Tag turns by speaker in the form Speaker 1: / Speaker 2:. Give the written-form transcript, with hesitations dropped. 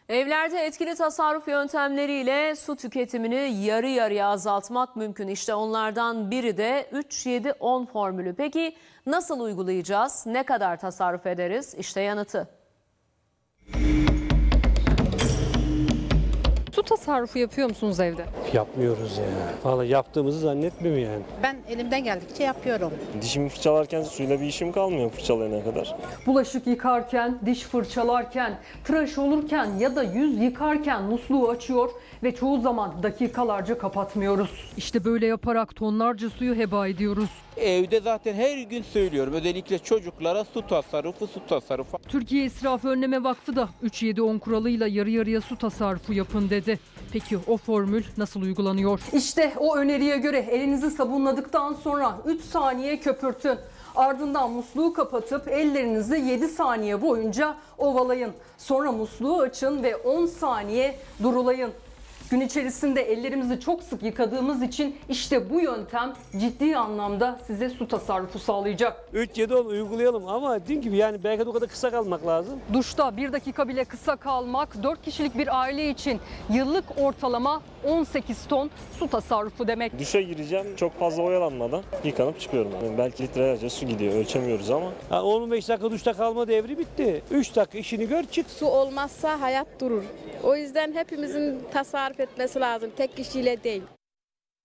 Speaker 1: Evlerde etkili tasarruf yöntemleriyle su tüketimini yarı yarıya azaltmak mümkün. İşte onlardan biri de 3-7-10 formülü. Peki nasıl uygulayacağız? Ne kadar tasarruf ederiz? İşte yanıtı.
Speaker 2: Su tasarrufu yapıyor musunuz evde?
Speaker 3: Yapmıyoruz ya. Vallahi yaptığımızı zannetmiyorum yani.
Speaker 4: Ben elimden geldikçe yapıyorum.
Speaker 5: Dişimi fırçalarken suyla bir işim kalmıyor fırçalayana kadar.
Speaker 6: Bulaşık yıkarken, diş fırçalarken, tıraş olurken ya da yüz yıkarken musluğu açıyor ve çoğu zaman dakikalarca kapatmıyoruz. İşte böyle yaparak tonlarca suyu heba ediyoruz.
Speaker 7: Evde zaten her gün söylüyorum. Özellikle çocuklara su tasarrufu.
Speaker 6: Türkiye İsraf Önleme Vakfı da 3-7-10 kuralıyla yarı yarıya su tasarrufu yapın dedi. Peki o formül nasıl uygulanıyor? İşte o öneriye göre elinizi sabunladıktan sonra 3 saniye köpürtün. Ardından musluğu kapatıp ellerinizi 7 saniye boyunca ovalayın. Sonra musluğu açın ve 10 saniye durulayın. Gün içerisinde ellerimizi çok sık yıkadığımız için işte bu yöntem ciddi anlamda size su tasarrufu sağlayacak.
Speaker 3: 3-7-10 uygulayalım ama dediğim gibi yani belki de o kadar kısa kalmak lazım.
Speaker 6: Duşta 1 dakika bile kısa kalmak 4 kişilik bir aile için yıllık ortalama 18 ton su tasarrufu demek.
Speaker 5: Duşa gireceğim çok fazla oyalanmadan yıkanıp çıkıyorum. Yani belki litrelerce su gidiyor ölçemiyoruz ama.
Speaker 3: 15 dakika duşta kalma devri bitti. 3 dakika işini gör çık.
Speaker 8: Su olmazsa hayat durur. O yüzden hepimizin tasarruf etmesi lazım, tek kişiyle değil.